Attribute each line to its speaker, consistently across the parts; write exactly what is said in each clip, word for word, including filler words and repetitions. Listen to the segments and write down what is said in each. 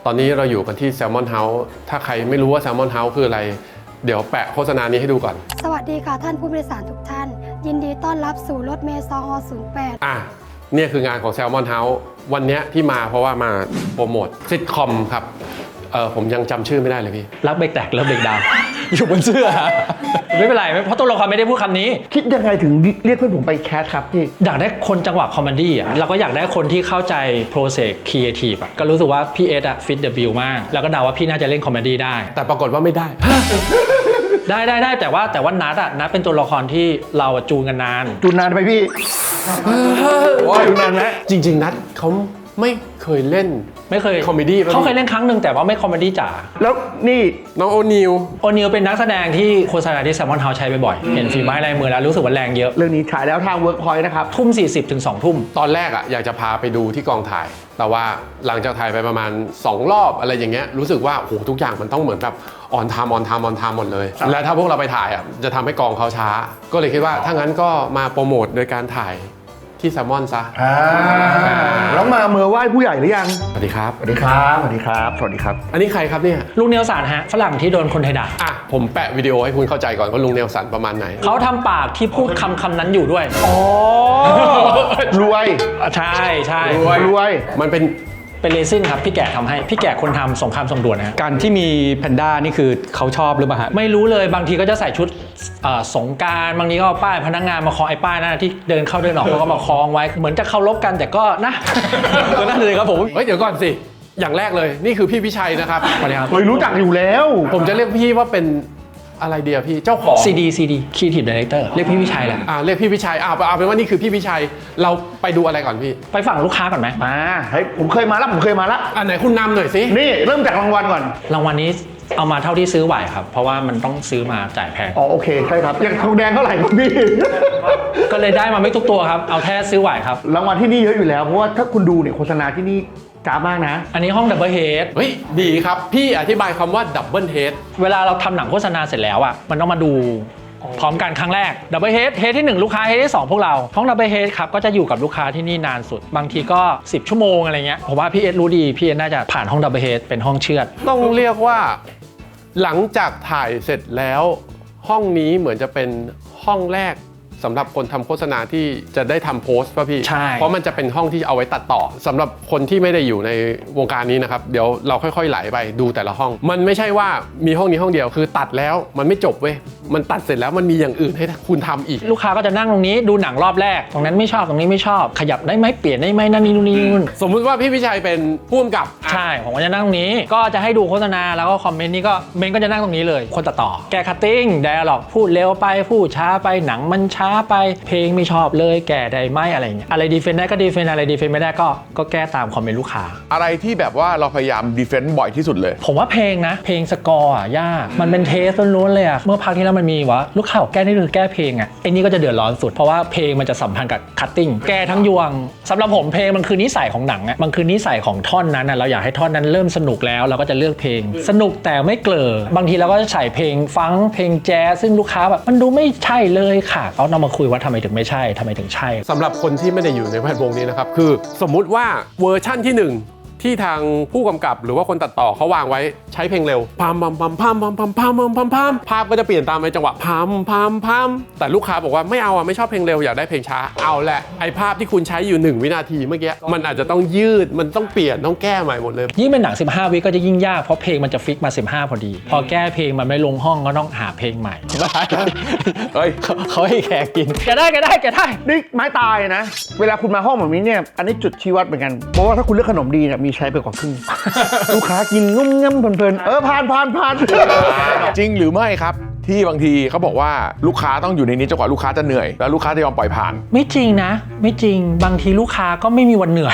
Speaker 1: ตอนนี้เราอยู่กันที่ Salmon House ถ้าใครไม่รู้ว่า Salmon House คืออะไรเดี๋ยวแปะโฆษณานี้ให้ดูก่อน
Speaker 2: สวัสดีค่ะท่านผู้โดยสารทุกท่าน ยินดีต้อนรับสู่รถเมล์ซอศูนย์แปด
Speaker 1: อ่ะเนี่ยคืองานของ Salmon House วันนี้ที่มาเพราะว่ามาโปรโมทซิทคอมครับเออผมยังจำชื่อไม่ได้เลยพี่
Speaker 3: รักเบรกแตกแล้วเบรกดาวอยู่บนเสื้อไม่เป็นไรเพราะตัวละครไม่ได้พูดคำนี้
Speaker 4: คิดยังไงถึงเรียกเพื่อนผมไปแคสครับพี่
Speaker 3: อยากได้คนจังหวะคอมเมดี้อ่ะเราก็อยากได้คนที่เข้าใจ process creative อ่ะก็รู้สึกว่าพี่เอสอ่ะฟิตเดอะบิลมากแล้วก็เดาว่าพี่น่าจะเล่นคอมเมดี้ได้
Speaker 1: แต่ปรากฏว่าไม่ได้
Speaker 3: ได้ได้ได้แต่ว่าแต่ว่านัทอ่ะนัทเป็นตัวละครที่เราจูนกันนาน
Speaker 4: จูนนานไปพี่จูนนานไหม
Speaker 1: จริงๆนัทเขาไม่เคยเล่น
Speaker 3: ไม่เคย
Speaker 1: คอมเมดี้
Speaker 3: เขาเคยเล่นครั้งหนึ่งแต่ว่าไม่คอมเมดี้จ๋า
Speaker 4: แล้วนี่
Speaker 1: น้องโอนิว
Speaker 3: โอนิวเป็นนักแสดงที่โฆษณาที่ Salmon House ใช้บ่อยๆเห็นฝีไม้ลายมือแล้วรู้สึกว่าแรงเยอะ
Speaker 4: เรื่องนี้ฉายแล้วทาง Workpoint นะครับ
Speaker 3: ทุ่มสี่สิบถึงสองทุ่ม
Speaker 1: ตอนแรกอ่ะอยากจะพาไปดูที่กองถ่ายแต่ว่าหลังจากถ่ายไปประมาณสองรอบอะไรอย่างเงี้ยรู้สึกว่าโอ้โหทุกอย่างมันต้องเหมือนแบบออนไทม์ออนไทม์ออนไทม์หมดเลยและถ้าพวกเราไปถ่ายอ่ะจะทำให้กองเขาช้าก็เลยคิดว่าถ้างั้นก็มาโปรโมทโดยการถ่ายที่แซลมอนซะ
Speaker 4: แล้วมาเมื่อไหว้ผู้ใหญ่หรือยัง
Speaker 1: สวัสดีครับ
Speaker 4: สวัสดีครับสวัสดีครับสวัสดีครับ
Speaker 1: อันนี้ใครครับเนี่ย
Speaker 3: ลุงเนลสันฮะฝรั่งที่โดนคนไทยด่า
Speaker 1: อ่ะผมแปะวิดีโอให้คุณเข้าใจก่อนว่าลุงเนลสันประมาณไหน
Speaker 3: เขาทำปากที่พูดคำคำนั้นอยู่ด้วย
Speaker 4: อ๋อรวย
Speaker 3: ใช่ใช่
Speaker 4: รวยรวย
Speaker 1: มันเป็น
Speaker 3: เป็นเลซินครับพี่แก่ทำให้พี่แก่คนทำสงครามส่งด่วนนะ
Speaker 5: การที่มีแพนด้านี่คือเขาชอบหรือเปล่าฮะ
Speaker 3: ไม่รู้เลยบางทีก็จะใส่ชุดสงกรานต์บางทีก็เอาป้ายพนักงานมาคล้องไอ้ป้ายนั่นที่เดินเข้าเดินออกเขาก็มาคล้องไว้เหมือนจะเคารพกันแต่ก็นะ
Speaker 5: ก็นั่นเลยครับผม
Speaker 1: เฮ้ยเดี๋ยวก่อนสิอย่างแรกเลยนี่คือพี่พิชัยนะครับ
Speaker 3: สวัสดีครับ
Speaker 4: เคยรู้จักอยู่แล้ว
Speaker 1: ผมจะเรียกพี่ว่าเป็นอะไรเดียวพี่เจ้าของ
Speaker 3: ซี ดี ซี ดี Creative Director เรียกพี่พิชัยแหละ
Speaker 1: อ่าเรียกพี่พิชัยอ่าเอาเป็นว่านี่คือพี่พิชัยเราไปดูอะไรก่อนพี่
Speaker 3: ไปฝั่งลูกค้าก่อนไหม
Speaker 4: มาเฮ้ยผมเคยมาแล้วผมเคยมาแล้ว
Speaker 1: อันไหนคุณนำหน่อยสิ
Speaker 4: นี่เริ่มจากรางวัลก่อน
Speaker 3: รางวัลนี้เอามาเท่าที่ซื้อไหวครับเพราะว่ามันต้องซื้อมาจ่ายแพง
Speaker 4: อ๋อโอเคใช่ครับอย่างทองแดงเท่าไหร่ครับพี่
Speaker 3: ก็เลยได้มาไม่ทุกตัวครับเอาแค่ซื้อไหวครับ
Speaker 4: รางวัลที่นี่เยอะอยู่แล้วเพราะว่าถ้าคุณดูเนี่ยโฆษณาที่นี่จ้ามากนะ
Speaker 3: อันนี้ห้องดับเบิลเฮด
Speaker 1: เฮ้ยดีครับพี่อธิบายคำว่าดับเบิลเฮด
Speaker 3: เวลาเราทำหนังโฆษณาเสร็จแล้วอ่ะมันต้องมาดูพร้อมกันครั้งแรกดับเบิลเฮดเฮดที่หนึ่งลูกค้าเฮดที่สองพวกเราห้องดับเบิลเฮดครับก็จะอยู่กับลูกค้าที่นี่นานสุดบางทีก็สิบชั่วโมงอะไรเงี้ยผมว่าพี่เอสรู้ดีพี่เอสน่าจะผ่านห้องดับเบิลเฮดเป็นห้องเชือด
Speaker 1: ต้องเรียกว่าหลังจากถ่ายเสร็จแล้วห้องนี้เหมือนจะเป็นห้องแรกสำหรับคนทำโฆษณาที่จะได้ทำโพสต์ป่ะพี่
Speaker 3: ใช่
Speaker 1: เพราะมันจะเป็นห้องที่เอาไว้ตัดต่อสำหรับคนที่ไม่ได้อยู่ในวงการนี้นะครับเดี๋ยวเราค่อยๆไหลไปดูแต่ละห้องมันไม่ใช่ว่ามีห้องนี้ห้องเดียวคือตัดแล้วมันไม่จบเว้ยมันตัดเสร็จแล้วมันมีอย่างอื่นให้คุณทำอีก
Speaker 3: ลูกค้าก็จะนั่งตรงนี้ดูหนังรอบแรกตรงนั้นไม่ชอบตรงนี้ไม่ชอบขยับได้ไหมเปลี่ยนได้ไหมนั่นนี่นู่นนี่นู่น
Speaker 1: สมมุติว่าพี่พิชัยเป็นผู้กำกับ
Speaker 3: ใช่ผมก็จะนั่งตรงนี้ก็จะให้ดูโฆษณาแล้วก็คอมเมนต์นี่ก็เมนก็จะนั่งตรงนี้เลยคนตัดต่อแกคัตติ้งไดอะล็อกพูดเร็วไปพูดช้าไปหนังมันช้าไปเพลงไม่ชอบเลยแก่ได้ไหมอะไรเงี้ยอะไรดีเฟนได้ก็ดีเฟนอะไรดีเฟนไม่ได้ก็ก็แก้ตามคอมเมนต์ลูกค้า
Speaker 6: อะไรที่แบบว่าเราพยายามดีเฟนต์บ่อยที่สุดเลย
Speaker 3: ผมว่าเพลงนะเพลงสกอร์อ่ะยากมันเป็นเทสล้วนๆเลยอ่ะเมื่อพักที่แล้วมันมีวะลูกค้าแก้นี่คือแก้เพลงอ่ะไอ้นี่ก็จะเดือดร้อนสุดเพราะว่าเพลงมันจะสัมพันธ์กับคัตติ้งแก้ทั้งยวงสำหรับผมเพลงมันคือนิสัยของหนังอ่ะมันคือนิสัยของท่อนนั้นอ่ะเราอยากให้ท่อนนั้นเริ่มสนุกแล้วเราก็จะเลือกเพลงสนุกแต่ไม่เกลือบางทีเราก็จะใส่เพลงฟังเพลงแจ๊สซึ่งลูกค้าแบบมันดูไม่ใช่เลยค่ะเขานำมาคุยว่าทำไมถึงไม่ใช่ทำไมถึงใช่
Speaker 1: สำหรับคนที่ไม่ได้อยู่ในแวดวงนี้นะครับคือสมมุติว่าเวอร์ชั่นที่หนึ่งที่ทางผู้กำกับหรือว่าคนตัดต่อเขาวางไว้ใช้เพลงเร็วพามพามพามพามพามพามพามพามพามพามภาพก็จะเปลี่ยนตามในจังหวะพามพามพามแต่ลูกค้าบอกว่าไม่เอาอ่ะไม่ชอบเพลงเร็วอยากได้เพลงช้าเอาแหละไอภาพที่คุณใช้อยู่หนึ่งวินาทีเมื่อกี้มันอาจจะต้องยืดมันต้องเปลี่ยนต้องแก้ใหม่หมดเลย
Speaker 3: ยิ่งเป็นหนังสิบห้าวิก็จะยิ่งยากเพราะเพลงมันจะฟิกมาสิบห้าพอดีพอแก้เพลงมันไม่ลงห้องก็ต้องหาเพลงใหม่
Speaker 6: เฮ้ย
Speaker 3: เขาให้แขกกินแกได้แกได้แกได้
Speaker 4: นี่ไม้ตายนะเวลาคุณมาห้องแบบนี้เนี่ยอันนี้จุดชี้วัดเหมือนกันเพราะว่าถ้าคุณเลือกขนมดีเนี่ยมีใช้ไปกว่าครึ่งลูกค้ากินงุ้มง่ำเพลินๆเออผ่านผ่านผ่าน
Speaker 6: จริงหรือไม่ครับที่บางทีเขาบอกว่าลูกค้าต้องอยู่ในนี้จนกว่าลูกค้าจะเหนื่อยแล้วลูกค้าจะยอมปล่อยผ่าน
Speaker 3: ไม่จริงนะไม่จริงบางทีลูกค้าก็ไม่มีวันเหนื่อย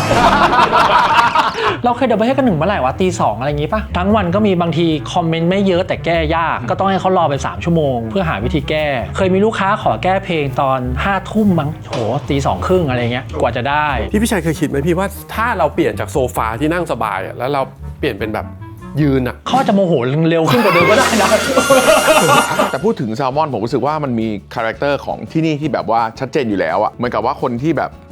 Speaker 3: เราเคยเดินไปให้กันหนึ่งเมื่อไหร่วะตีสองอะไรอย่างงี้ป่ะทั้งวันก็มีบางทีคอมเมนต์ไม่เยอะแต่แก้ยากก็ต้องให้เขารอไปสามชั่วโมงเพื่อหาวิธีแก้เคยมีลูกค้าขอแก้เพลงตอนห้าทุ่มมั้งโหตีสองครึ่งอะไรเงี้ยกว่าจะได้
Speaker 1: พี่พิชัยเคยคิดไหมพี่ว่าถ้าเราเปลี่ยนจากโซฟาที่นั่งสบายแล้วเราเปลี่ยนเป็นแบบยืนอ่ะ
Speaker 3: เขาจะโมโหเร็วขึ้นกว่าเดิมก็ได้นะ
Speaker 6: แต่พูดถึงแซลมอนผมรู้สึกว่ามันมีคาแรคเตอร์ของที่นี่ที่แบบว่าชัดเจนอยู่แล้วอะเหมือนกับว่าคนที่แบบ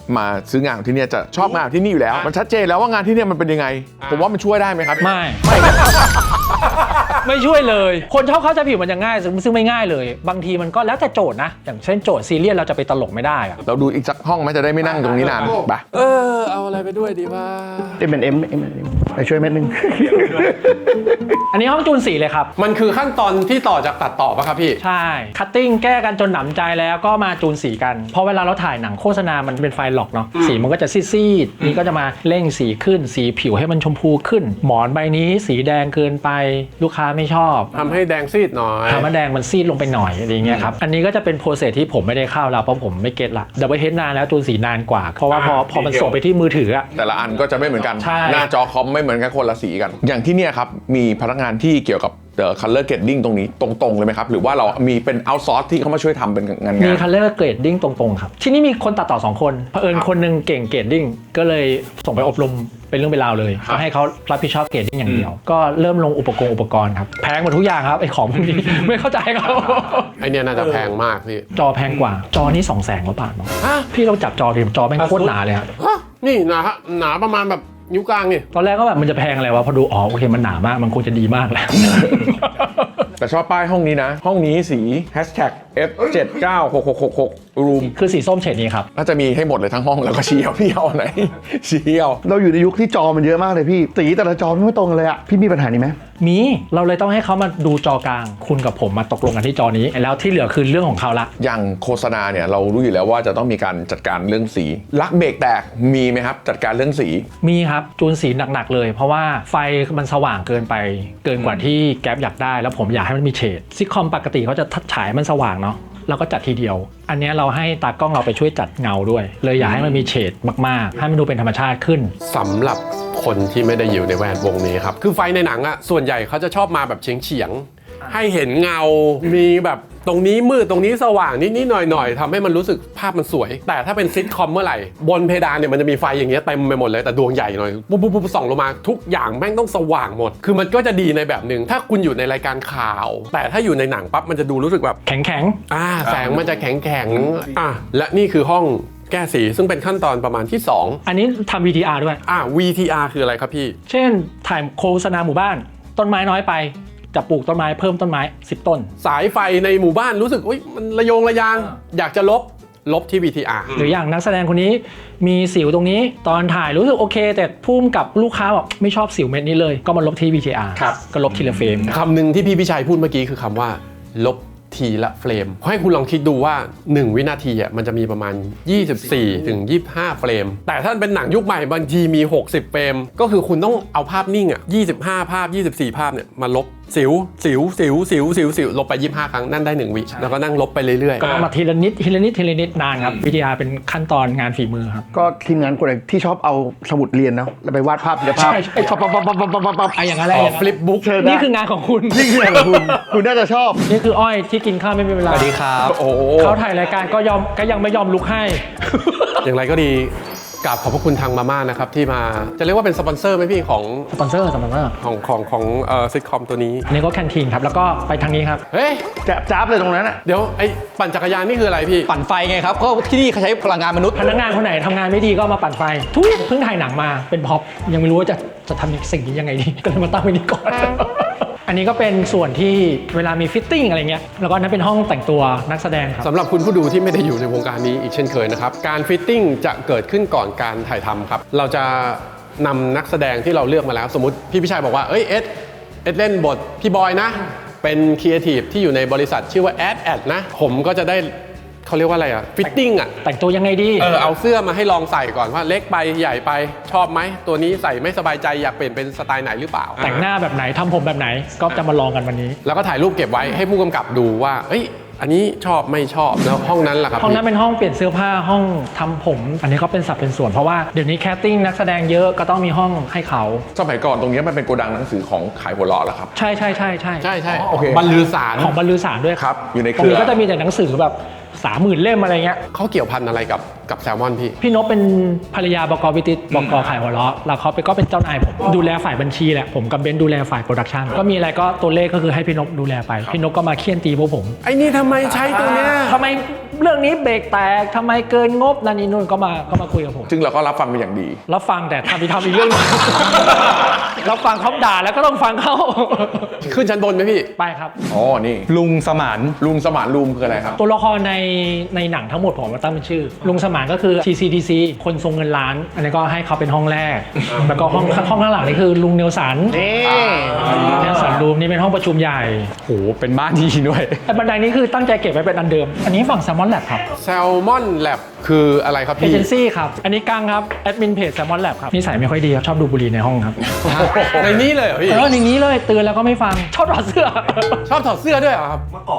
Speaker 6: มาซื้องานของที่เนี่ยจะชอบงานของที่นี่อยู่แล้ว มันชัดเจนแล้วว่างานที่เนี่ยมันเป็นยังไง ผมว่ามันช่วยได้ไหมครับ
Speaker 3: ไม่ ไม่ช่วยเลย คนชอบเข้าใจผิดมันจะง่ายซึ่งซึ่งไม่ง่ายเลย บางทีมันก็แล้วแต่โจทย์นะ อย่างเช่นโจทย์ซีเรียสเราจะไปตลกไม่ได้อะ
Speaker 6: เราดูอีกสักห้องไหมจะได้ไม่นั่งตรงนี้นานไป
Speaker 1: เออเอาอะไรไปด้วยดีว่า
Speaker 4: เอ็มเอ็มเอ็มเอ็มไปช่วยเม็ดนึง
Speaker 3: อันนี้ห้องจูนสีเลยครับ
Speaker 1: มันคือขั้นตอนที่ต่อจากตัดต่อป่ะครับพี่
Speaker 3: ใช่ คัตติ้งแก้กันจนหนำใจแล้วก็มาจูนสีกัน เพราะเวลาเราถ่ายหนังโฆษณามันเป็นไฟล์หลอกเนาะ สีมันก็จะซีดๆ นี่ก็จะมาเร่งสีขึ้น สีผิวให้มันชมพูขึ้น หมอนใบนี้สีแดงเกินไป ลูกค้าไม่ชอบ
Speaker 1: ทำให้แดงซีดหน่อย
Speaker 3: ทำให้แดงมันซีดลงไปหน่อยอะไรเงี้ยครับ อันนี้ก็จะเป็นโปรเซสที่ผมไม่ได้เข้าแล้วเพราะผมไม่เก็ตละดับเบิลเฮดนานแล้วจูนสีนานกว่า เพราะว่าพอพอมันส่งไปที่มือถืออะ
Speaker 6: แต่ละอันก็จะไม่เหมือนกัน
Speaker 3: ใช่
Speaker 6: หน้าจอคอมไม่เหมือนกันคนละสีกัน อย่างที่เนี่ยครับมีพนักงานที่เกี่ยวกับเอ่อ color grading ตรงนี้ตรงๆเลยไหมครับหรือว่าเรามีเป็น outsource ที่เขามาช่วยทำเป็นงาน
Speaker 3: มี
Speaker 6: งาน
Speaker 3: color grading ตรงๆครับ ที่นี่มีคนตัดต่อสองคนเผอิญคนหนึงเก่ง grading ก็เลยส่งไปอบรมเป็นเรื่องเป็นราวเลยก็ให้เขารับผิดชอบ grading อย่างเดียว ก็เริ่มลงอุปกรณ์อุปกรณ์ครับแพงหมดทุกอย่างครับไอ้ของพวกนี้ ไม่เข้าใจครับ
Speaker 1: ไอเนี่ยน่าจะแพงมากพี่
Speaker 3: จอแพงกว่าจอนี่สองแสนกว่าบาทมั้งพี่เราจับจอดิจอแม่งโคตรหนาเลยครับ
Speaker 1: ฮะนี่หนาฮะหนาประมาณแบบนิ้วกลางนี่
Speaker 3: ตอนแรกก็แบบมันจะแพงอะไรวะพอดูอ๋อโอเคมันหนามากมันคงจะดีมากแหละ
Speaker 6: แต่ชอบป้ายห้องนี้นะ ห้องนี้สี hashtag เอฟ เจ็ดเก้าหกหกหกหก room
Speaker 3: คือสีส้มเฉดนี้ครับ
Speaker 6: น่าจะมีให้หมดเลยทั้งห้องแล้วก็ชี้เอาพี่เอาไหน ชี้เอา
Speaker 4: เราอยู่ในยุคที่จอมันเยอะมากเลยพี่สีแต่ละจอไม่ตรงกันเลยอะพี่มีปัญหานี้ไหม
Speaker 3: มีเราเลยต้องให้เขามาดูจอกลางคุณกับผมมาตกลงกันที่จอนี้แล้วที่เหลือคือเรื่องของเขาละ
Speaker 6: อย่างโฆษณาเนี่ยเรารู้อยู่แล้วว่าจะต้องมีการจัดการเรื่องสีลักเบรกแตกมีไหมครับจัดการเรื่องสี
Speaker 3: มีครับจูนสีหนักๆเลย เพราะว่าไฟมันสว่างเกินไปเกินกว่าที่แก๊ปอยากได้แล้วผมอยากให้มันมีเฉดซิทคอมปกติเขาจะทัดฉายมันสว่างเนาะเราก็จัดทีเดียว อันนี้เราให้ตากล้องเราไปช่วยจัดเงาด้วย เลยอยากให้มันมีเฉดมากๆให้มันดูเป็นธรรมชาติขึ้น
Speaker 1: สำหรับคนที่ไม่ได้อยู่ในแวดวงนี้ครับ คือไฟในหนังอะส่วนใหญ่เขาจะชอบมาแบบเฉียงเฉียงๆให้เห็นเงา มีแบบตรงนี้มืดตรงนี้สว่างนิดๆหน่อยๆทำให้มันรู้สึกภาพมันสวย แต่ถ้าเป็นซิทคอมเมื่อไหร่บนเพดานเนี่ยมันจะมีไฟอย่างเงี้ยเต็มไปหมดเลยแต่ดวงใหญ่หน่อยปุ๊บปุ๊บปุ๊บส่องลงมาทุกอย่างแม่งต้องสว่างหมด คือมันก็จะดีในแบบหนึ่งถ้าคุณอยู่ในรายการข่าว แต่ถ้าอยู่ในหนังปั๊บมันจะดูรู้สึกแบบ
Speaker 3: แข็ง
Speaker 1: อ่าแสงมันจะแข็งแข็งๆอ่ะและนี่คือห้องแก้สีซึ่งเป็นขั้นตอนประมาณที่สอง
Speaker 3: ๆอันนี้ทำ วี ที อาร์ ด้วย
Speaker 1: อ่ะ วี ที อาร์ คืออะไรครับพี่
Speaker 3: เช่นถ่ายโฆษณาหมู่บ้านต้นไม้น้อยไปจะปลูกต้นไม้เพิ่มต้นไม้สิบต้น
Speaker 1: สายไฟในหมู่บ้านรู้สึกอุ๊ยมันระโยงระยางอยากจะลบลบที่ วี ที อาร์
Speaker 3: หรืออย่างนักแสดงคนนี้มีสิวตรงนี้ตอนถ่ายรู้สึกโอเค แต่พุ่มกับลูกค้าบอกไม่ชอบสิวเม็ดนี้เลยก็มาลบที่ วี ที อาร์
Speaker 1: ครับ
Speaker 3: ก็ลบทีละเฟรม
Speaker 1: คำหนึ่งที่พี่พิชัยพูดเมื่อกี้คือคำว่าลบทีละเฟรมให้คุณลองคิดดูว่าหนึ่งวินาทีอ่ะมันจะมีประมาณยี่สิบสี่ถึงยี่สิบห้าเฟรมแต่ถ้าเป็นหนังยุคใหม่บางทีมีหกสิบเฟรมก็คือคุณต้องเอาภาพนิ่งอ่ะยี่สิบห้าภาพยี่สิบสี่ภาพเนี่ยมาลบสิวสิวสิวสิวสิวสิวลบไปยี่สิบห้าครั้งนั่นได้หนึ่งวิแล้วก็นั่งลบไปเรื่อย
Speaker 3: ก็ต้องมาทีละนิดทีละนิดทีละนิดนานครับ วี ที อาร์ เป็นขั้นตอนงานฝีมือครับ
Speaker 4: ก็ทีมงานคนไหนที่ชอบเอาสมุดเรียนเนาะแล้วไปวาดภาพเดี๋ยวภาพ
Speaker 3: ใช่ใช่
Speaker 4: ปั๊บปั๊บปั๊บปั๊บปั๊บปั๊บปั๊บ
Speaker 3: ไอะอย่างนั้น
Speaker 1: ๆ
Speaker 3: อะไร
Speaker 1: อ๋อ
Speaker 3: อย่าง
Speaker 1: ฟลิ
Speaker 3: นั้น
Speaker 1: ปบุ๊ก
Speaker 4: เชิญ
Speaker 3: นี่คืองานของคุณ
Speaker 4: นี่คืองานของคุณคุณน่าจะชอบ
Speaker 3: นี่คืออ้อยที่กินข้าวไม่เป็นเว
Speaker 5: ส
Speaker 3: ลา
Speaker 5: วัสดีครับ
Speaker 6: โอ้โห
Speaker 3: เขาถ่ายรายการก็ยอมก็ยังไม่ยอมลุกให้
Speaker 1: อย่างไรก็ดีกราบขอบพระคุณทางมาม่านะครับที่มาจะเรียกว่าเป็นสปอนเซอร์ไหมพี่ของ
Speaker 3: สปอนเซอร์สปอนเซอร์
Speaker 1: ของของของเอ่อซิทคอมตัวนี้
Speaker 3: อันนี้ก็แคนทีนครับ แล้วก็ไปทางนี้ครับ
Speaker 1: เฮ้ย
Speaker 4: แจ๊บจ้าบเลยตรงนั้นอ่ะ
Speaker 1: เดี๋ยวไอ้ปั่นจักรยานนี่คืออะไรพี่
Speaker 5: ปั่นไฟไงครับก็ที่นี่เขาใช้พลังงานมนุษย์
Speaker 3: พนักงานคนไหนทำงานไม่ดีก็มาปั่นไฟ ทุยเพิ่งถ่ายหนังมาเป็นพ็อปยังไม่รู้ว่าจะจะทำสิ่งนี้ยังไงดี ก็เลยมาตั้งไว้นี่ก่อน อันนี้ก็เป็นส่วนที่เวลามีฟิตติ้งอะไรเงี้ยแล้วก็นั้นเป็นห้องแต่งตัวนักแสดงครับ
Speaker 1: สำหรับคุณผู้ดูที่ไม่ได้อยู่ในวงการนี้อีกเช่นเคยนะครับ การฟิตติ้งจะเกิดขึ้นก่อนการถ่ายทำครับ เราจะนำนักแสดงที่เราเลือกมาแล้ว สมมติพี่พิชัยบอกว่าเอ้ยเอ็ดเอ็ดเล่นบทพี่บอยนะ เป็นครีเอทีฟที่อยู่ในบริษัทชื่อว่าแอดแอดนะ ผมก็จะได้เขาเรียกว่าอะไรอะฟิตติ้งอะ
Speaker 3: แต่งตัวยังไงดี
Speaker 1: เออเอาเสื้อมาให้ลองใส่ก่อนว่าเล็กไปใหญ่ไปชอบไหมตัวนี้ใส่ไม่สบายใจอยากเปลี่ยนเป็นสไตล์ไหนหรือเปล่า
Speaker 3: แต่งหน้าแบบไหนทำผมแบบไหนก็จะมาลองกันวันนี้
Speaker 1: แล้วก็ถ่ายรูปเก็บไว้ให้ผู้กำกับดูว่าเอ้ยอันนี้ชอบไม่ชอบแล้วห้องนั้นล่ะครับ
Speaker 3: ห้องนั้นเป็นห้องเปลี่ยนเสื้อผ้าห้องทำผม อันนี้ก็เป็นสับเป็นส่วนเพราะว่าเดี๋ยวนี้แคสติ้งนักแสดงเยอะก็ต้องมีห้องให้เขา
Speaker 6: สมัยก่อนตรงนี้มันเป็นโกดังหนังสือของขายหัวเราะเหรอครับ
Speaker 3: ใช่ใช่ใช่ใช่
Speaker 1: ใช่ใช่
Speaker 6: โอเค
Speaker 1: บรรลือสาร
Speaker 3: ของบรรลือสารด้วย
Speaker 6: ครับอยู่ในเค
Speaker 3: ตรง
Speaker 6: รือ
Speaker 3: นี้ก็จะมีแต่หนังสือแบบสามหมื่นเล่มอะไรเงี้ย
Speaker 1: เขาเกี่ยวพันอะไรกับกับแซลมอนพี่
Speaker 3: พี่นพเป็นภรรยาบกวิติตบกขายหัวเราะแล้วเขาไปก็เป็นเจ้านายผมดูแลฝ่ายบัญชีแหละผมกับเบนซ์ดูแลฝ่ายโปรดักชันก็มีอะไรก็ตัวเลขก็คือให้พี่นพดูแลไปพี่นพก็มาเคี่ยนตีพวกผม
Speaker 1: ไอ้นี่ทำไมใช้ตัวเนี้ย
Speaker 3: ทำไมเรื่องนี้เบรกแตกทำไมเกินงบนั่นนี่นู่นก็มาก็มาคุยกับผม
Speaker 6: ซึ่งเราก็รับฟังเป็นอย่างดี
Speaker 3: รับฟังแต่ทำอีกทำอีกเรื่องหนึง รับฟังเขาด่าแล้วก็ต้องฟังเขา
Speaker 1: ขึ้นชั้นบนไหมพี่
Speaker 3: ไปครับ
Speaker 6: อ๋อ นี่
Speaker 5: ลุงสมาน
Speaker 6: ลุงสมานลุมคืออะไรครับ
Speaker 3: ตัวละครในในหนังทั้งหมดผมมาตั้งเป็นชื่อ ลุงสมานก็คือ ที ซี ที ซี คนทรงเงินล้าน อันนี้ก็ให้เขาเป็นห้องแรก แล้วก็ห้องห้องข้างหลังนี่คือลุงเนลสัน
Speaker 4: นี่
Speaker 3: เนลสันรูมนี่เป็นห้องประชุมใหญ่
Speaker 5: โห เป็นบ้านที่ด้วย
Speaker 3: แต่บันไดนี้คือตั้งใจเก็บไว้เป็นอันเดิม อันนี้ฝั่งแซมมอนแลบครับ
Speaker 1: แซลมอนแลบคืออะไรครับ
Speaker 3: เอ
Speaker 1: พี่
Speaker 3: เจนซี่ครับ อันนี้กังครับแอดมินเพจแซมมอนแลบครับนิสัยไม่ค่อยดีครับชอบดูบุหรี่ในห้องครับ
Speaker 1: ในนี้เลยเหรอพี่
Speaker 3: เอออย่างนี้เลยตื่นแล้วก็ไม่ฟังชอบถอดเสื้อ
Speaker 1: ชอบถอดเสื้อด้วยเหรอครับ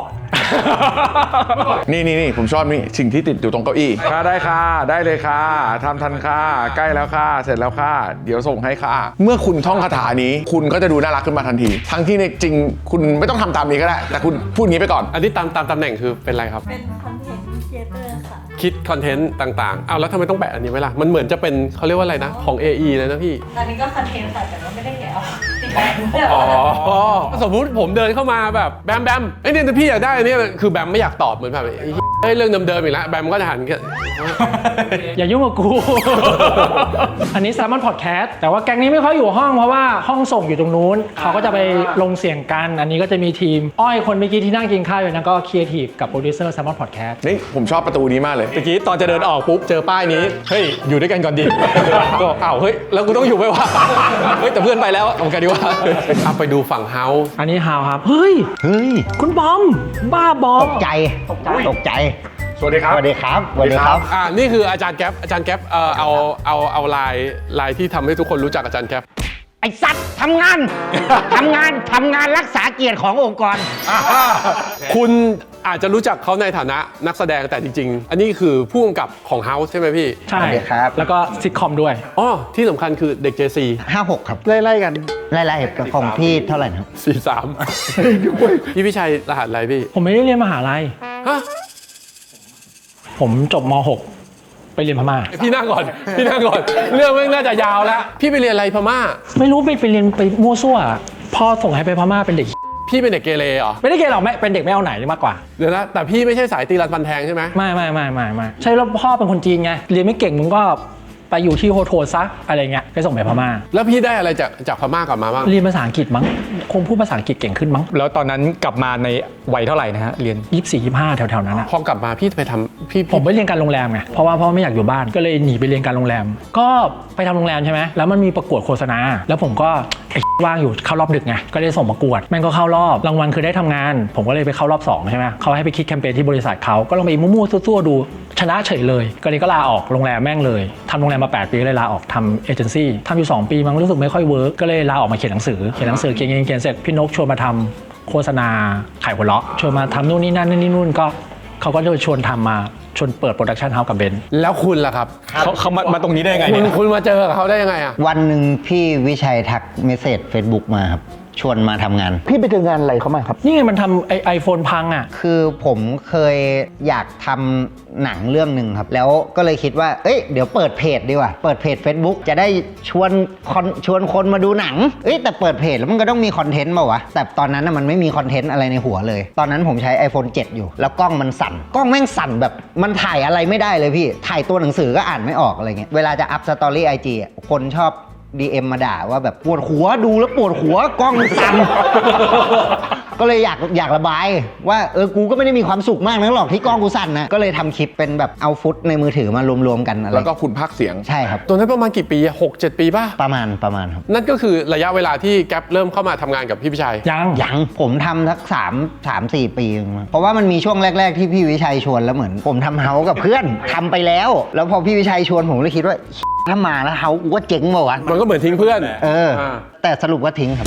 Speaker 6: นี่นี่นี่ผมชอบนี่สิ่งที่ติดอยู่ตรงเก้าอี้ค่ะได้ค่ะ ได้เลยค่ะทำทันค่ะ ใกล้แล้วค่ะ เสร็จแล้วค่ะ เดี๋ยวส่งให้ค่ะ เมื่อคุณท่องคาถานี้ คุณก็จะดูน่ารักขึ้นมาทันที ทั้งที่ในจริงคุณไม่ต้องทำตามนี้ก็ได้ แต่คุณพูดงี้ไปก่อน
Speaker 1: อันนี้ตามตามตำแหน่งคือเป็นอะไรครับ
Speaker 7: เป็นคอนเทนต์ครีเอเตอร์ค่ะ
Speaker 1: คิดคอนเทนต์ต่างๆเอาแล้วทำไมต้องแปะอันนี้ไว้ล่ะมันเหมือนจะเป็นเขาเรียกว่าอะไรนะของ เอ อี เลยนะพี่
Speaker 7: ตอนนี้ก็คอนเทนต์ค่ะ แต่ว่าไม่ได้แกะเอาติดแบงค์
Speaker 1: อ๋อสมมุติผมเดินเข้ามาแบบแบมแบมไอ้ยเนี่ยพี่อยากได้อันนี้คือแบมไม่อยากตอบเหมือนแบบไอ้เหี้ยเฮ้ยเรื่องเดิมๆอีกแล้วแบมก็จะหันกัน
Speaker 3: อย่ายุ่งกับกู อันนี้แซมมอนพอดแคสต์แต่ว่าแก๊งนี้ไม่ค่อยอยู่ห้องเพราะว่าห้องส่งอยู่ตรงนู้น เขาก็จะไปลงเสียงกัน อันนี้ก็จะมีทีม อ้อยคนเมื่อกี้ที่นั่งกินข้าวอยู่นั้นก็ครีเอทีฟกับโปรดิวเซอร์แซมมอนพอดแคสต์
Speaker 6: นี่ผมชอบประตูนี้มากเลย
Speaker 5: เมื่อกี้ตอนจะเดินออกปุ๊บ เจอป้ายนี้ เฮ้ย อยู่ด้วยกันก่อนดิ ก็อ้าวเฮ้ย แล้วกูต้องอยู่ไหมวะ เฮ้ย แต่เพื่อนไปแล้วเอากันดีกว่า
Speaker 1: เอาไปดูฝั่งเฮาส์
Speaker 3: อันนี้ฮาวครับ เฮ้ย
Speaker 8: เฮ้ย
Speaker 3: คุณบอม บ้าบอ
Speaker 8: ต
Speaker 3: ม
Speaker 8: กใจ ตกใจ ตกใจ
Speaker 6: สวัสดีครับ
Speaker 8: สวัสดีครับ สวัสดีครับ
Speaker 1: อ่านี่คืออาจารย์แก๊ปอาจารย์แก๊ปเอ่อเอาเอาเอาลายลายที่ทำให้ทุกคนรู้จักอาจารย์แก๊ป
Speaker 8: ไอ้สัตว์ทำงาน ทำงาน ทำงานรักษาเกียรติขององค์กร
Speaker 1: คุณอาจจะรู้จักเขาในฐานะนักแสดงแต่จริงๆ อันนี้คือผู้กำกับของเฮาส์ใช่ไหมพี่
Speaker 3: ใช่
Speaker 8: สวัสดีครับ
Speaker 3: แล้วก็ซิทคอมด้วย
Speaker 1: อ๋อที่สำคัญคือเด็ก เจ ซี
Speaker 8: ห้าหกครับ
Speaker 4: ไล่ๆกัน
Speaker 8: ไล่ๆของพี่เท่าไหร่นะครับ
Speaker 1: สี่สามพี่พี่ชัยรหัสอะไรพี่
Speaker 3: ผมไม่ได้เรียนมหาลัย
Speaker 1: ฮะ
Speaker 3: ผมจบม หก ไปเรียนพม่า
Speaker 1: พี่นั่งก่อน พี่นั่งก่อน เรื่องไม่งน่าจะยาวแล้ว พี่ไปเรียนอะไรพม่า
Speaker 3: ไม่รู้ไปไปเรียนไปมั่วซั่วพ่อส่งให้ไปพม่าเป็นเด็ก
Speaker 1: พี่เป็นเด็กเกเรเหรอ
Speaker 3: ไม่ได้เกณฑ์หรอกไม่เป็นเด็กไม่เอาไหนมากกว่า
Speaker 1: เดี๋ยวนะแต่พี่ไม่ใช่สายตีรันฟันแทงใช่ไหม
Speaker 3: ไม่ไม่ไม่ไม่ไม่ใช่แล้วพ่อเป็นคนจีนไงเรียนไม่เก่งมึงก็ไปอยู่ที่โฮโทซะอะไรเงี้ยไปส่งไปพม่า
Speaker 1: แล้วพี่ได้อะไรจากจากพม่ากลับมาบ้าง
Speaker 3: เรียนภาษาอังกฤษมั้งคงพูดภาษาอังกฤษเก่งขึ้นมั้ง
Speaker 5: แล้วตอนนั้นกลับมาในวัยเท่าไหร่นะฮะ เรียน
Speaker 3: ยี่สิบสี่ ยี่สิบห้าแถวๆนั้นอะ
Speaker 1: พอกลับมาพี่ไปทำพี่
Speaker 3: ผมไปเรียนการโรงแรมไงเพราะว่าพ่อไม่อยากอยู่บ้านก็เลยหนีไปเรียนการโรงแรม ก็ไปทำโรงแรมใช่ไหมแล้วมันมีประกวดโฆษณาแล้วผมก็ไอ้ว่างอยู่เข้ารอบดึกไงก็เลยส่งประกวดแม่งก็เข้ารอบรางวัลคือได้ทำงาน ผมก็เลยไปเข้ารอบสองใช่ไหมเขาให้ไปคิดแคมเปญที่บริษัทเขาก็ลองไปมั่วๆซั่วๆดูชนะเฉยเลยก็เลยก็ลาออกโรงแรมแม่งเลยทำโรงแรมมาแปดปีก็เลยลาออกทำเอเจนซี่ทำอยู่สองปีมันรู้สึกไม่ค่อยเวิร์กก็เลยลาออกมาเขียนหนังสือเขียนหนังสือเขียนเขียนเสร็จพี่นกชวนมาทำโฆษณาขายหัวเราะชวนมาทำนู่นนี่นั่นนี่นู่นก็เขาก็เลยชวนทำมาชวนเปิดโปรดักชันเฮาส์กับเบนซ์
Speaker 1: แล้วคุณล่ะครับ
Speaker 5: เขาเขามามาตรงนี้ได้ยังไง
Speaker 1: คุณ
Speaker 5: เนี่ย
Speaker 1: คุณมาเจอกับเขาได้ยังไงอะ
Speaker 8: วันหนึ่งพี่วิชัยทักเมสเซจ Facebook มาครับ ชวนมาทำงาน
Speaker 4: พี่ไปเจองานอะไรเขามาครับ
Speaker 3: นี่ไงมันทำไอไอโฟนพังอ่ะ
Speaker 8: คือผมเคยอยากทำหนังเรื่องหนึ่งครับ แล้วก็เลยคิดว่า เอ้ย เดี๋ยวเปิดเพจดีกว่า เปิดเพจ Facebook จะได้ชวนคนชวนคนมาดูหนัง เอ้ย แต่เปิดเพจแล้วมันก็ต้องมีคอนเทนต์เปล่าวะ แต่ตอนนั้นน่ะมันไม่มีคอนเทนต์อะไรในหัวเลย ตอนนั้นผมใช้ ไอโฟนเซเว่น อยู่ แล้วกล้องมันสั่น กล้องแม่งสั่นแบบมันถ่ายอะไรไม่ได้เลยพี่ ถ่ายตัวหนังสือก็อ่านไม่ออกอะไรเงี้ย เวลาจะอัพสตอรี่ไอจีคนชอบ ดี เอ็ม มาด่าว่าแบบปวดหัวดูแล้วปวดหัวกล้องสั่น ก็เลยอยากอยากระบายว่าเออกูก็ไม่ได้มีความสุขมากนักหรอกที่กล้องกูสั่นนะก็เลยทำคลิปเป็นแบบเอาฟุตในมือถือมารวมๆกันอะไร
Speaker 6: แล้วก็คุณพากย์เสียง
Speaker 8: ใช่ครับ
Speaker 1: ตัวนั้นประมาณกี่ปีหกเจ็ดปีป่ะ
Speaker 8: ประมาณประมาณครับ
Speaker 1: นั่นก็คือระยะเวลาที่แก๊ปเริ่มเข้ามาทำงานกับพี่พิชัย
Speaker 3: ยัง
Speaker 8: ยังผมทำสักสามสามสี่ปีเองมั้งเพราะว่ามันมีช่วงแรก ๆ ที่พี่วิชัยชวนแล้วเหมือนผมทำเฮาส์กับเพื่อนทำไปแล้ว แล้วพอพี่วิชัยชวนผมเลยคิดว่าถ้ามาแล้วเฮาส์กูว่าเจ๋งเปล่าวะ
Speaker 1: มันก็เหมือนทิ้งเพื่อน
Speaker 8: เออ
Speaker 1: อ่า
Speaker 8: แต่สรุปว่าทิ้งครับ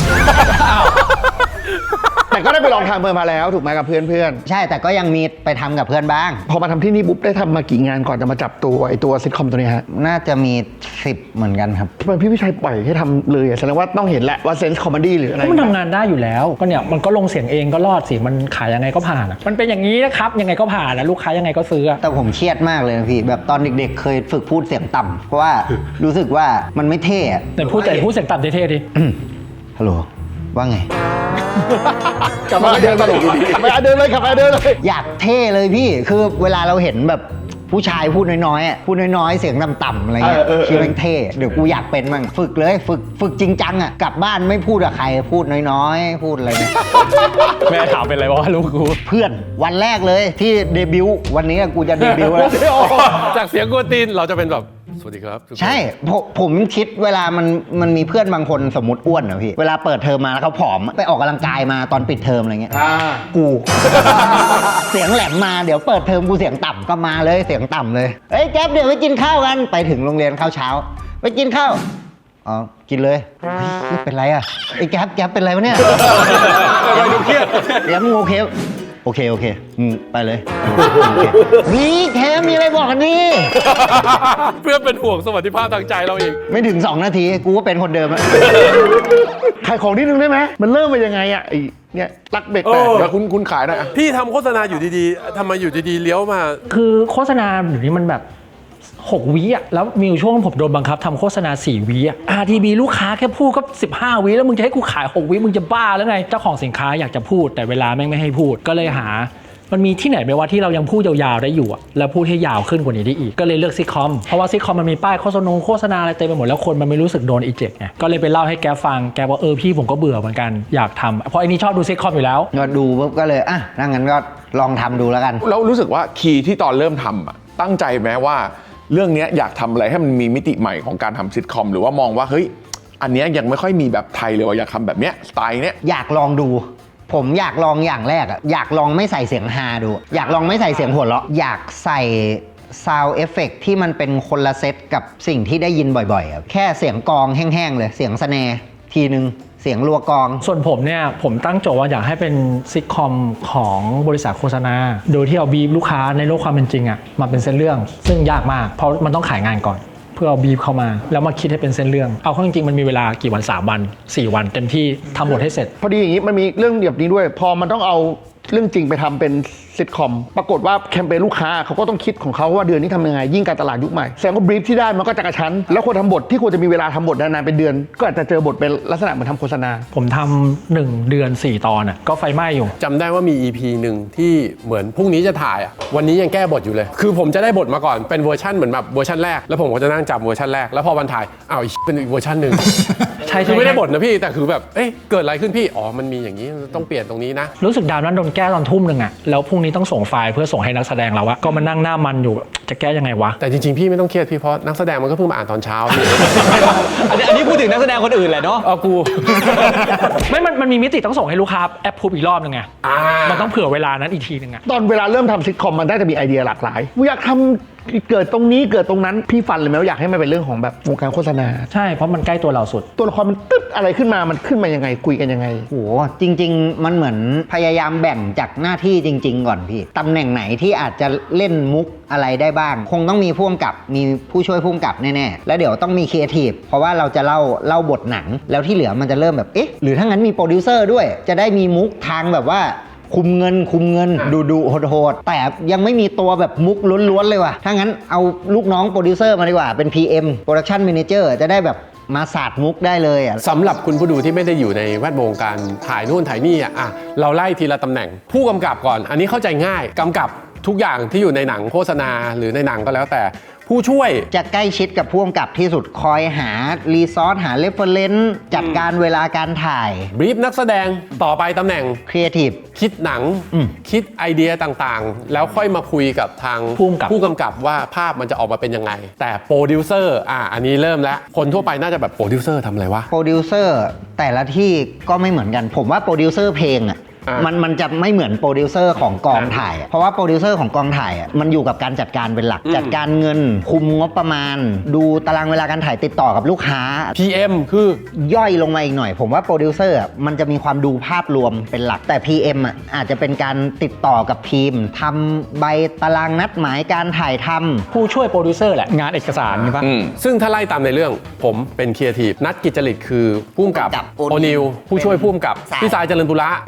Speaker 4: แต่ก็ได้ไปลองทำเพิ่มมาแล้วถูกไหมกับเพื่อน
Speaker 8: ใช่แต่ก็ยังมีไปทำกับเพื่อนบ้าง
Speaker 4: ๆ พอมาทำที่นี่ปุ๊บได้ทำมากี่งานก่อนจะมาจับตัวไอตัวซิทคอมตัวนี้ฮะ
Speaker 8: น่าจะมีสิบเหมือนกันครับ
Speaker 4: ทำไมพี่วิชัยปล่อยให้ทำเลยอะแสดงว่าต้องเห็นแหละว่าเซนส์คอมเมดี้หรืออะไร
Speaker 3: ก็มันทำงานได้อยู่แล้ว ก็เนี่ยมันก็ลงเสียงเองก็รอดสิมันขายยังไงก็ผ่านอะมันเป็นอย่างนี้นะครับยังไงก็ผ่านนะลูกค้ายังไงก็ซื้ออะ
Speaker 8: แต่ผมเครียดมากเลยนะพี่ แบบตอนเด็กๆ เคยฝึกพูดเสียงต่ำเพราะว่ารู้สึกว่ามันไม่เท่อะ
Speaker 3: แต่พูดแต่พูดเสียงต่ำเท่ๆดิ
Speaker 8: ฮัลโหลว่าไง
Speaker 4: กลับมาเดินตลกอยู่ดีกลับมาเดินเลยกลับมาเดินเลย
Speaker 8: อยากเท่เลยพี่ คือเวลาเราเห็นแบบผู้ชายพูดน้อยๆอ่ะพูดน้อยๆ เสียงต่ำๆอะไรเงี้ย
Speaker 4: เออเออเออ
Speaker 8: คิดว่าเท่ เดี๋ยวกูอยากเป็นมั่งฝึกเลย ฝึกฝึกจริงจังอ่ะ กลับบ้านไม่พูดกับใคร พูดน้อยๆ พูดอะไรเนี่ย
Speaker 3: แม่ถามเป็นอะไรวะลูกกู
Speaker 8: เพื่อนวันแรกเลยที่เดบิวต์วันนี้กูจะเดบิวต์แล้ว
Speaker 1: จากเสียงกวนตีนเราจะเป็นแบบสวัสดีครับทุกคน
Speaker 8: ใช่ผมผมคิดเวลามันมันมีเพื่อนบางคนสมมติอ้วนอะพี่ เวลาเปิดเทอมมาแล้วเขาผอมไปออกกำลังกายมาตอนปิดเทอมอะไรเงี้ยกู เสียงแหลมมาเดี๋ยวเปิดเทอมกูเสียงต่ำก็มาเลยเสียงต่ำเลยเอ้ยแก๊ปเดี๋ยวไปกินข้าวกันไปถึงโรงเรียนข้าวเช้า ไปกินข้าวอ๋อกินเลยเฮ้ยเป็นไรอะไอ้แก๊ปแก๊ปเป็นไรวะเนี่ย
Speaker 1: ไปดูเครียด
Speaker 8: แก๊ปมึงโอเคโอเคโอเคอืมไปเลยนี่แค่มีอะไรบอกกันดิ
Speaker 1: เพื่อเป็นห่วงสวัสดิภาพทางใจเราเอง
Speaker 8: ไม่ถึงสองนาทีกูก็เป็นคนเดิมอะ
Speaker 4: ขายของนิดนึงได้ไหมมันเริ่มมายังไงอ่ะไอ้เนี่ยรักเบรกแตก
Speaker 1: เออ
Speaker 6: เดี๋ยวคุณคุณขายหน่อยอะ
Speaker 1: พี่ทำโฆษณาอยู่ดีๆทำไมอยู่ดีๆเลี้ยวมา
Speaker 3: คือโฆษณาเดี๋ยวนี้มันแบบหกวิอ่ะแล้วมีอยู่ช่วงผมโดนบังคับทำโฆษณาสี่วิอ่ะ อาร์ ที บี ลูกค้าแค่พูดก็สิบห้าวิแล้วมึงจะให้กูขายหกวิมึงจะบ้าแล้วไงเจ้าของสินค้าอยากจะพูดแต่เวลาแม่งไม่ให้พูดก็เลยหา มันมีที่ไหนไหมว่าที่เรายังพูดยาวๆได้อยู่อ่ะแล้วพูดให้ยาวขึ้นกว่านี้ได้อีกก็เลยเลือกซิทคอมเพราะว่าซิทคอมมันมีป้ายโฆษณาโฆษณาอะไรเต็มไปหมดแล้วคนมันไม่รู้สึกโดนอีเจ็กไงก็เลยไปเล่าให้แกฟังแกบอกเออพี่ผมก็เบื่อเหมือนกันอยากทำเพราะไอ้นี่ชอบดูซิทคอมอยู่แล้ว
Speaker 8: ก็ดูปุ๊บก็เลยอ่ะถ้างั้นก็ลองทำดูแล้วกัน
Speaker 6: แล้วรู้สึกว่าคีย์ที่ตอนเริ่มทำอะตั้งใจไหมว่าเรื่องเนี้ยอยากทำอะไรให้มันมีมิติใหม่ของการทำซิทคอมหรือว่ามองว่าเฮ้ยอันเนี้ยยังไม่ค่อยมีแบบไทยเลยว่าอยากทำแบบเนี้ยสไตล์เนี้ย
Speaker 8: อยากลองดู ผมอยากลองอย่างแรกอะอยากลองไม่ใส่เสียงฮาดู อยากลองไม่ใส่เสียงหัวเราะอยากใส่ซาวเอฟเฟกที่มันเป็นคนละเซตกับสิ่งที่ได้ยินบ่อยๆอะแค่เสียงกลองแห้งๆเลยเสียงสแนร์ทีนึงเสียงรัวกลอง
Speaker 3: ส่วนผมเนี่ยผมตั้งโจทย์ว่าอยากให้เป็นซิทคอมของบริษัทโฆษณาโดยที่เอาบีฟลูกค้าในโลกความเป็นจริงอะมาเป็นเส้นเรื่องซึ่งยากมากเพราะมันต้องขายงานก่อนเพื่อเอาบีฟเข้ามาแล้วมาคิดให้เป็นเส้นเรื่องเอาเข้าจริงๆมันมีเวลากี่วันสามวันสี่วันเต็มที่ทำบทให้เสร็จ
Speaker 4: พอดีอย่างนี้มันมีเรื่องแบบนี้ด้วย พอมันต้องเอาเรื่องจริงไปทำเป็นซิทคอมปรากฏว่าแคมเปญลูกค้าเขาก็ต้องคิดของเขาว่าเดือนนี้ทำยังไงยิ่งการตลาดยุคใหม่แสดงว่าบรีฟที่ได้มันก็จะกระชั้นแล้วคนทำบทที่ควรจะมีเวลาทำบทนานๆเป็นเดือน ก็อาจจะเจอบทเป็นลักษณะเหมือนทำโฆษณา
Speaker 3: ผมทำหนึ่งเดือนสี่ตอนอ่ะก็ไฟไหม้อยู่
Speaker 1: จำได้ว่ามี อี พี หนึ่งที่เหมือนพรุ่งนี้จะถ่ายอ่ะวันนี้ยังแก้บทอยู่เลย คือผมจะได้บทมาก่อนเป็นเวอร์ชันเหมือนแบบเวอร์ชันแรกแล้วผมก็จะนั่งจำเวอร์ชันแรกแล้วพอวันถ่ายอ้าวอีกเป็นอีกเวอร์ชันหนึ่ง
Speaker 3: ใช่
Speaker 1: คือไม่ได้บทนะพี่แต่คือแบบเอ้ยเกิดอะไรขึ้นพี่อ๋อมันมีอย่างนี้ต้องเปลี่ยนตรงนี้นะ
Speaker 3: รู้สึกดาวนั้นโดนแก้ตอนทุ่มหนึ่งอ่ะแล้วพรุ่งนี้ต้องส่งไฟล์เพื่อส่งให้นักแสดงเราอะก็มานั่งหน้ามันอยู่จะแก้ยังไงวะ
Speaker 1: แต่จริงๆพี่ไม่ต้องเครียดพี่เพราะนักแสดงมันก็เพิ่งมาอ่านตอนเช้าพี่
Speaker 5: อันนี้อันนี้พูดถึงนักแสดงคนอื่นแหละเนาะ
Speaker 1: เอากู
Speaker 3: ไม่มันมันมีมิติต้องส่งให้ลูกค้าแอปพูบอีกรอบนึงไง
Speaker 1: อ่า
Speaker 3: มันต้องเผื่อเวลานั้นอีกทีนึงอะ
Speaker 4: ตอนเวลาเริ่มทำซิทคอมมันได้จะมีไอเดียหลากหลายอยากทำเกิดตรงนี้เกิดตรงนั้นพี่ฟันเลยไหมว่าอยากให้มันเป็นเรื่องของแบบวงการโฆษณา
Speaker 3: ใช่เพราะมันใกล้ตัวเราสุด
Speaker 4: ตัวละครมันตึ๊บอะไรขึ้นมามันขึ้นมายังไงคุยกันยังไง
Speaker 8: โหจริงๆมันเหมือนพยายามแบ่งจากหน้าที่จริง ๆ ก่อนพี่ตำแหน่งไหนที่อาจจะเล่นมุกอะไรได้บ้าง คงต้องมีผู้กำกับมีผู้ช่วยผู้กำกับแน่ๆแล้วเดี๋ยวต้องมีครีเอทีฟเพราะว่าเราจะเล่าเล่าบทหนัง แล้วที่เหลือมันจะเริ่มแบบเอ๊ะหรือถ้างั้นมีโปรดิวเซอร์ด้วยจะได้มีมุกทางแบบว่าคุมเงินคุมเงินดูดูโหดๆแต่ยังไม่มีตัวแบบมุกล้วนๆเลยว่ะถ้างั้นเอาลูกน้องโปรดิวเซอร์มาดีกว่าเป็น พี เอ็ม Production Manager จะได้แบบมาสาดมุกได้เลยอ่ะ
Speaker 1: สำหรับคุณผู้ดูที่ไม่ได้อยู่ในแวดวงการถ่ายนู่นถ่ายนี่อ่ะอ่ะเราไล่ทีละตำแหน่ง ผู้กำกับก่อน อันนี้เข้าใจง่ายกำกับทุกอย่างที่อยู่ในหนังโฆษณาหรือในหนังก็แล้วแต่ผู้ช่วย
Speaker 8: จะใกล้ชิดกับผู้กำกับที่สุดคอยหารีซอสหาเรฟเฟอเรนซ์จัดการเวลาการถ่าย
Speaker 1: บรีฟนักแสดงต่อไปตำแหน่ง
Speaker 8: ครีเอทีฟ
Speaker 1: คิดหนัง
Speaker 8: อืม
Speaker 1: คิดไอเดียต่างๆ แล้วค่อยมาคุยกับทาง
Speaker 3: ผู้กำกับ
Speaker 1: ผู้กำกับว่าภาพมันจะออกมาเป็นยังไง แต่โปรดิวเซอร์อ่ะอันนี้เริ่มแล้วคนทั่วไปน่าจะแบบโปรดิวเซอร์ทำอะไรวะ
Speaker 8: โปรดิวเซอร์แต่ละที่ก็ไม่เหมือนกัน ผมว่าโปรดิวเซอร์เพลงอ่ะ
Speaker 1: อ่ะ
Speaker 8: มันมันจะไม่เหมือนโปรดิวเซอร์ของกองถ่ายอะเพราะว่าโปรดิวเซอร์ของกองถ่ายอ่ะมันอยู่กับการจัดการเป็นหลัก จัดการเงิน คุมงบประมาณ ดูตารางเวลาการถ่ายติดต่อกับลูกค้า
Speaker 1: พี เอ็ม คือย่
Speaker 8: อยลงมาอีกหน่อย ผมว่าโปรดิวเซอร์อะมันจะมีความดูภาพรวมเป็นหลักแต่ พี เอ็ม อ่ะอาจจะเป็นการติดต่อกับทีมทำใบตารางนัดหมายการถ่ายทำ
Speaker 3: ผู้ช่วยโปรดิวเซอร์แหละงานเอกสารใช่ปะ
Speaker 6: อืม
Speaker 1: ซึ่งถ้าไล่ตามในเรื่องผมเป็นครีเอทีฟนัดกิจจริตคือผู้กำกับ
Speaker 8: กับ
Speaker 1: โอนิวผู้ช่วยผู้กำกับ
Speaker 8: สาย
Speaker 1: พี่สายเจริญปุระเป็นโปร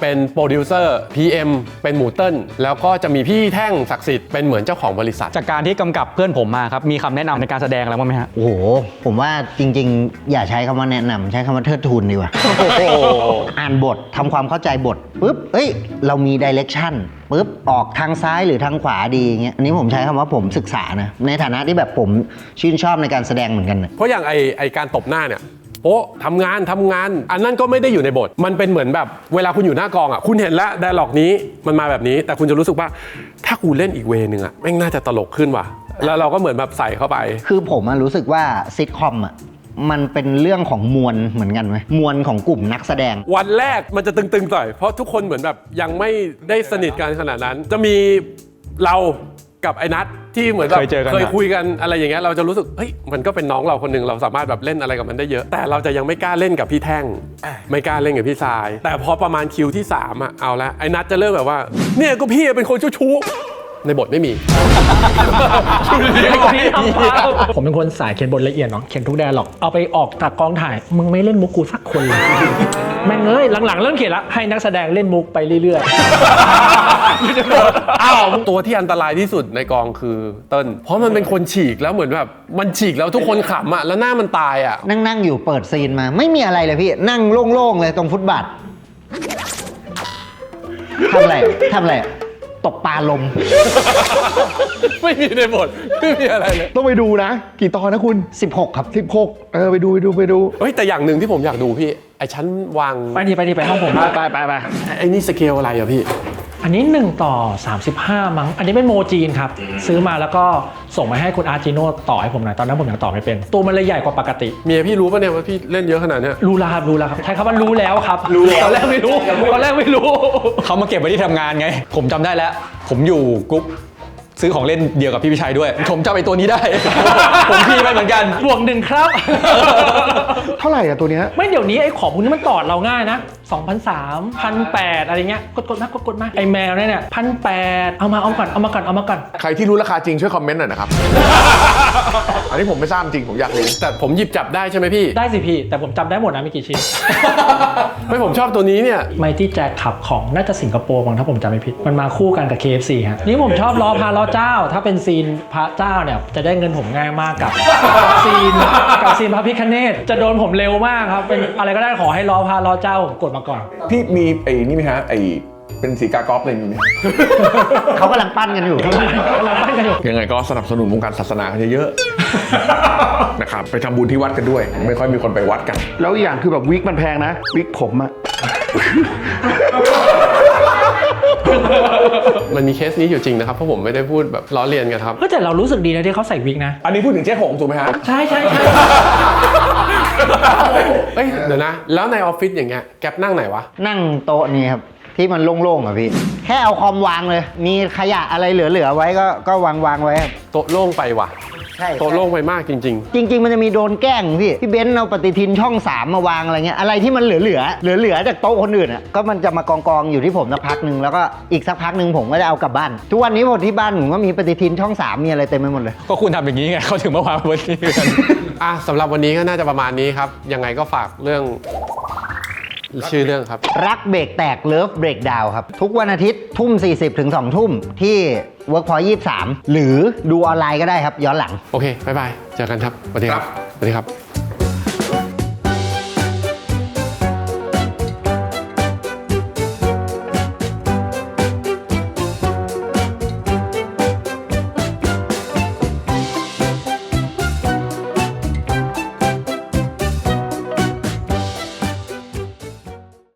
Speaker 1: ดิวเซอร์ พี เอ็ม เป็นหมูเติ้ลแล้วก็จะมีพี่แท่งศักดิ์สิทธิ์เป็นเหมือนเจ้าของบริษัท
Speaker 5: จากการที่กำกับเพื่อนผมมาครับ มีคำแนะนำในการแสดงอะไรบ้างไหมฮะ
Speaker 8: โอ้โห ผมว่าจริงๆ อย่าใช้คำว่าแนะนำใช้คำว่าเทิดทูนดีกว่า อ่านบททำความเข้าใจบทปุ๊บเอ้ย เรามีดิเรกชันปุ๊บออกทางซ้ายหรือทางขวาดีอย่างเงี้ยอันนี้ผมใช้คำว่าผมศึกษานะในฐานะที่แบบผมชื่นชอบในการแสดงเหมือนกันนะ
Speaker 1: เพราะอย่างไอไอการตบหน้าเนี่ยโอ้ทำงานทำงาน อันนั้นก็ไม่ได้อยู่ในบท มันเป็นเหมือนแบบเวลาคุณอยู่หน้ากองอ่ะคุณเห็นแล้วไดอะล็อกนี้มันมาแบบนี้ แต่คุณจะรู้สึกว่าถ้ากูเล่นอีกเวนึงอ่ะแม่งน่าจะตลกขึ้นว่ะแล้วเราก็เหมือนแบบใส่เข้าไป
Speaker 8: คือผมอะรู้สึกว่าซิทคอมอ่ะมันเป็นเรื่องของมวลเหมือนกันไหมมวลของกลุ่มนักแสดง
Speaker 1: วันแรกมันจะตึงๆหน่อยเพราะทุกคนเหมือนแบบยังไม่ได้สนิทกันขนาดนั้น จะมีเรากับไอ้นัทที่เหมือนแบบ
Speaker 5: เคยเจอกัน
Speaker 1: เคยคุยกันอะไรอย่างเงี้ยเราจะรู้สึกเฮ้ยมันก็เป็นน้องเราคนหนึ่งเราสามารถแบบเล่นอะไรกับมันได้เยอะ แต่เราจะยังไม่กล้าเล่นกับพี่แท่งไม่กล้าเล่นกับพี่ทราย แต่พอประมาณคิวที่สามอ่ะเอาละไอ้นัทจะเริ่มแบบว่าเนี่ยก็พี่เป็นคนชู้ๆในบทไม่มี
Speaker 3: ผมเป็นคนสายเขียนบทละเอียดเนาะเขียนทุกแดร์หรอกเอาไปออกจากกองถ่ายมึงไม่เล่นมุกกูสักคนเลยแม่งเอ้ยหลังๆเริ่มเขียนละให้นักแสดงเล่นมุกไปเรื่อยๆ
Speaker 1: อ้าวตัวที่อันตรายที่สุดในกองคือเติ้ลเพราะมันเป็นคนฉีกแล้วเหมือนแบบมันฉีกแล้วทุกคนขำอ่ะแล้วหน้ามันตายอ่ะ
Speaker 8: นั่งนั่งอยู่เปิดซีนมาไม่มีอะไรเลยพี่ นั่งโล่งๆเลยตรงฟุตบาททำอะไรทำอะไรตกปลาลม
Speaker 1: ไม่มีในบทไม่มีอะไรเลย
Speaker 4: ต้องไปดูนะ กี่ตอนนะคุณ
Speaker 8: สิบหก ครับ
Speaker 4: สิบหกเออไปดูไปดูไปดู
Speaker 1: เฮ้ยแต่อย่างหนึ่งที่ผมอยากดูพี่ไอ้ชั้นวาง
Speaker 3: ไปดีไปดีไปห้องผม
Speaker 4: ไปไปไป
Speaker 1: ไอ้นี่สเกลอะไรอะพี่
Speaker 3: อันนี้หนึ่งต่อสามสิบห้ามั้งอันนี้เป็นโมจีนครับซื้อมาแล้วก็ส่งมาให้คุณอาร์จิโน่ต่อให้ผมหน่อยตอนนั้นผมยังต่อไม่เป็นตัวมันเลยใหญ่กว่าปกติ
Speaker 1: เมียพี่รู้ป่ะเนี่ยว่าพี่เล่นเยอะขนาดเนี้ย
Speaker 3: รู้แล้วครับรู้แล้วครับใช้คำว่ารู้แล้วครับตอนแรกไม่รู้ตอนแรกไม่รู้
Speaker 5: เขามาเก็บไว้ที่ทำงานไง ผมจำได้แล้ว ผมอยู่กรุ๊ปซื้อของเล่นเดียวกับพี่พิชัยด้วย ผมจำไอ้ตัวนี้ได้ ผมพี่ไปเหมือนกัน
Speaker 3: บวกหนึ่งครับ
Speaker 4: เท่าไหร่อะตัวเนี้ย
Speaker 3: ไม่เดี๋ยวนี้ไอ้ของพวกนี้มันตอดเราง่ายนะสองพันสามพันแปดอะไรเงี้ยกดกดมากดกดมาไอ้แมวเนี่ยเนี่ยพันแปดเอามาเอาก่อนเอามาก่อนเอามาก่อน
Speaker 6: ใครที่รู้ราคาจริงช่วยคอมเมนต์หน่อยนะครับ อันนี้ผมไม่ทราบจริงผมอยากรู้
Speaker 1: แต่ผมหยิบจับได้ใช่ไหมพี่
Speaker 3: ได้สิพี่แต่ผมจำได้หมดนะมีกี่ชิ้น
Speaker 1: ไม่ผมชอบตัวนี้เนี่ย
Speaker 3: ไมตี้แจ็คขับของน่าจะสิงคโปร์มั้งถ้าผมจำไม่ผิดมันมาคู่กันกับ เค เอฟ ซี ฮะนี่ผมชอบล้อพาล้อเจ้า ถ้าเป็นซีนพระเจ้าเนี่ยจะได้เงินผมง่ายมากกับ ซีนกับซีนพระพิฆเนศจะโดนผมเร็วมากครับเป็นอะไรก็ได้ขอให้ล้อพาล้อเจ้าผมกดมาก่อน
Speaker 6: พี่มีไอ้นี่ไหมฮะไอ้เป็นสีกากอล์ฟอะไรมีไหม
Speaker 8: เขากำลังปั้นกันอยู่
Speaker 3: เราปั้นกันอยู่
Speaker 6: ยังไงก็สนับสนุนวงการศาสนาเยอะๆ นะครับไปทำบุญที่วัดกันด้วย ไม่ค่อยมีคนไปวัดกัน
Speaker 4: แล้วอีกอย่างคือแบบวิกมันแพงนะ วิกผมอะ
Speaker 1: มันมีเคสนี้อยู่จริงนะครับเพราะผมไม่ได้พูดแบบล้อเลียนกันครับ
Speaker 3: ก็แต่เรารู้สึกดีนะที่เขาใส่วิกนะ
Speaker 6: อันนี้พูดถึงเจ๊หงถูกไหมฮะ
Speaker 3: ใช่ใช่ใช่
Speaker 1: เอ้ยเดี๋ยวนะ แล้วในออฟฟิศอย่างเงี้ยแก๊ปนั่งไหนวะ
Speaker 8: นั่งโต๊ะนี้ครับ ที่มันโล่งๆอ่ะพี่ แค่เอาคอมวางเลย มีขยะอะไรเหลือๆไว้ก็ก็วางวางๆไว้ครับ
Speaker 1: โต๊ะโล่งไปว่ะ
Speaker 8: ใช่
Speaker 1: โต๊ะโล่งไปมากจริง
Speaker 8: จริง ๆ มันจะมีโดนแกล้งพี่พี่เบนซ์เอาปฏิทินช่องสามมาวางอะไรเงี้ยอะไรที่มันเหลือๆเหลือๆจากโต๊ะคนอื่นอ่ะก็มันจะมากองๆอยู่ที่ผมสักพักหนึ่งแล้วก็อีกสักพักหนึ่งผมก็จะเอากลับบ้านทุกวันนี้ผมที่บ้านผมก็มีปฏิทินช่องสามมีอะไรเต็มไปหมดเลย
Speaker 5: ก็คุณทำอย่างนี้ไงเขาถึงมาวางไว้ที่กัน
Speaker 1: ๆ อ่ะสำหรับวันนี้ก็น่าจะประมาณนี้ครับ ยังไงก็ฝากเรื่องชื่อเรื่องครับ
Speaker 8: รักเบรกแตกเลิฟเบรกดาวครับ ทุกวันอาทิตย์ทุ่มสี่สิบถึงสองทุ่มที่ Workpoint ยี่สิบสามหรือดูออนไลน์ก็ได้ครับย้อนหลัง
Speaker 1: โอเค บ๊ายบาย เจอกันครับ สวัสดีครับ สวัสดีครับ